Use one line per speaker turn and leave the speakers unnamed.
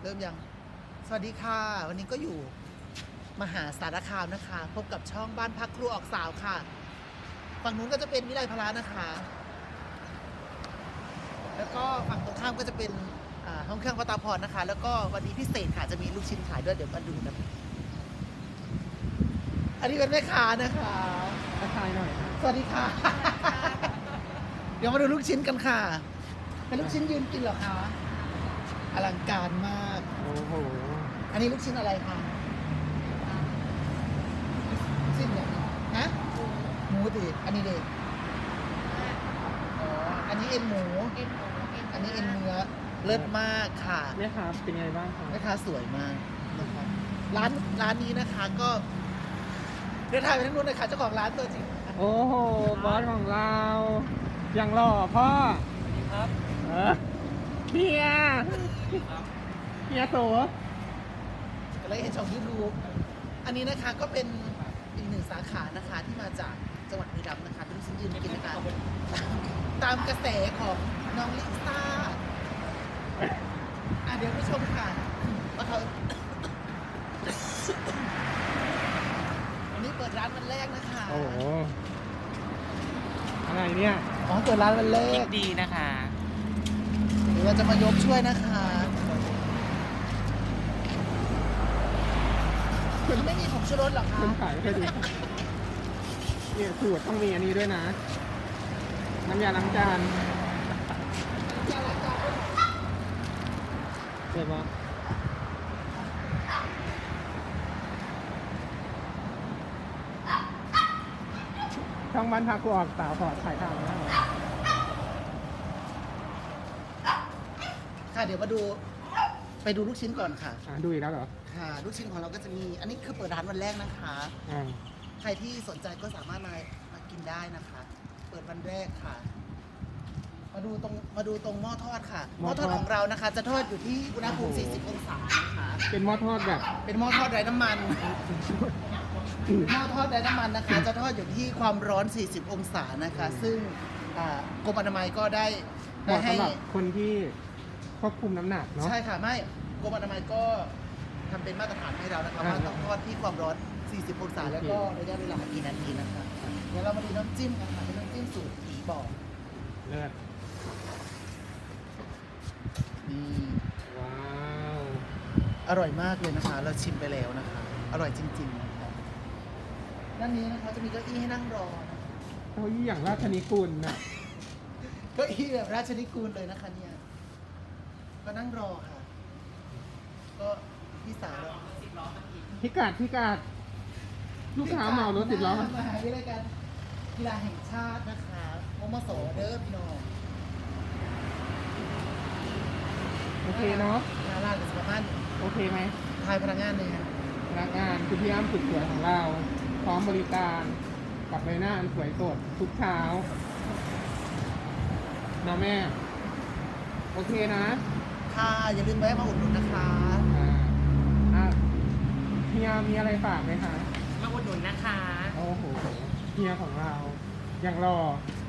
เริ่มยัง สวัสดีค่ะ วันนี้ก็อยู่มหาสารคามนะคะ พบกับช่องบ้านพักครูออกสาวค่ะ ฝั่งนู้นก็จะเป็นวิไลพลานะคะ แล้วก็ฝั่งตรงข้ามก็จะเป็นห้องเครื่องวัตาพรนะคะ แล้วก็วันนี้พิเศษค่ะจะมีลูกชิ้นขายด้วยเดี๋ยวมาดูนะอันนี้เป็นแม่ค้านะคะ
ทักทายหน่อย
สวัสดีค่ะ เดี๋ยวมาดูลูกชิ้นกันค่ะเป็นลูกชิ้นยืนกินเหรอคะอลังการมาก
โอ้โห
อันนี้ลูกชิ้นอะไรคะลูกชิ้นเนี่ยฮะหมูดิอันนี้เด็กอ๋ออันนี้เอ็นหมู อันนี้เอ็นเนื้อเลิศมากค่ะ
แม่ครับเป็นไงบ้างครับ
แม่ค้าสวยมากนะคะร้านนี้นะคะก็เดินทางไปทั้งนู้นเลยค่ะเจ้าของร้านตัวจริง
โอ้โหบอสของเรา อย่างหล่อพ่อครับเฮียเฮียโส
เลยเห็นช่องยูทูบอันนี้นะคะก็เป็นอีกหนึ่งสาขานะคะที่มาจากจังหวัดบุรีรัมย์นะคะเป็นลูกชิ้นยืนกินนะคะตามกระแสของน้องลิซ่าเดี๋ยวไปชมค่ะว่าเขาวันนี้เปิดร้านวันแรกนะคะ
โอ้โหอะไรเนี่ย
อ๋อเปิดร้านวันแร
คิ
ก
ดดีนะคะ
เดี๋ยวเราจะมายกช่วยนะคะคุณไม่มีผงชูรสหรอคะ
คุณขายให้ดูเนี่ยสูตรต้องมีอันนี้ด้วยนะ น้ำยาล้างจานเดี๋ยวบอสช่องบ้านพักกูออกสาวขอถ่ายทางแล้ว
ค่ะเดี๋ยวมาดูไปดูลูกชิ้นก่อนค่ะ
ดูอีกแล้วเหรอ
ค่ะ ลูกชิ้นของเราก็จะมี อันนี้คือเปิดร้านวันแรกนะคะ
อ่า
ใครที่สนใจก็สามารถมากินได้นะคะ เปิดวันแรกค่ะ มาดูตรงหม้อทอดค่ะ หม้อทอดของเรานะคะ จะทอดอยู่ที่อุณหภูมิ 40 องศานะคะ
เป็นหม้อทอดแบบ
เป็นหม้อทอดไร้น้ำมัน หม้อทอดไร้น้ำมันนะคะ จะทอดอยู่ที่ความร้อน 40 องศานะคะ ซึ่งกรมอนามัยก็ได้
เหมาะ
ให้
สำหรับคนที่ควบคุมน้ำหนักเนาะ
ใช่ค่ะไม่กรมอนามัยก็ทำเป็นมาตรฐานให้เรานะคะ
อ่า
ว่าต้องทอดที่ความร้อน 40 องศา
โอเค
แล้วก็ระยะเวลากี่นาทีนะคะเดี๋ยวเรามาดูน้ำจิ้มกันค่ะเป็นน้ำจิ้มสูตรผีบอก
เลิศ
นี่
ว้าว
อร่อยมากเลยนะคะ เราชิมไปแล้วนะคะ อร่อยจริงๆนะคะด้านนี้นะคะจะมีเก้าอี้ให้นั่งรอนะคะ
เก้าอี้อย่างราชนิกุลน่ะ
เก้าอี้แบบราชนิกูลเลยนะคะเนี่ยก็นั่งรอค่ะ ก็พี่สาวเรา
พิกัดลูกค้าเหมารถติดล้อ
มหาวิทยาลัยการกีฬาแห่งชาตินะคะมมสเด้อพี่น้อง
โอเคเนาะ
งานลาดกับสมาน
โอเคไหม
ทายพนักงานเลยค่ะ
พนักงานคือพี่อ้ำสุดสวยของเรา พร้อมบริการกับใบหน้าอันสวยสดทุกเช้านะแม่ โอเคนะ
ค่ะอย่าลืมแวะมาอุดหนุนนะคะ
อ่าอ่ะเฮียมีอะไรฝากไหมคะ
มาอุดหนุนนะคะ
โอ้โหเฮียของเรา อย่างรอ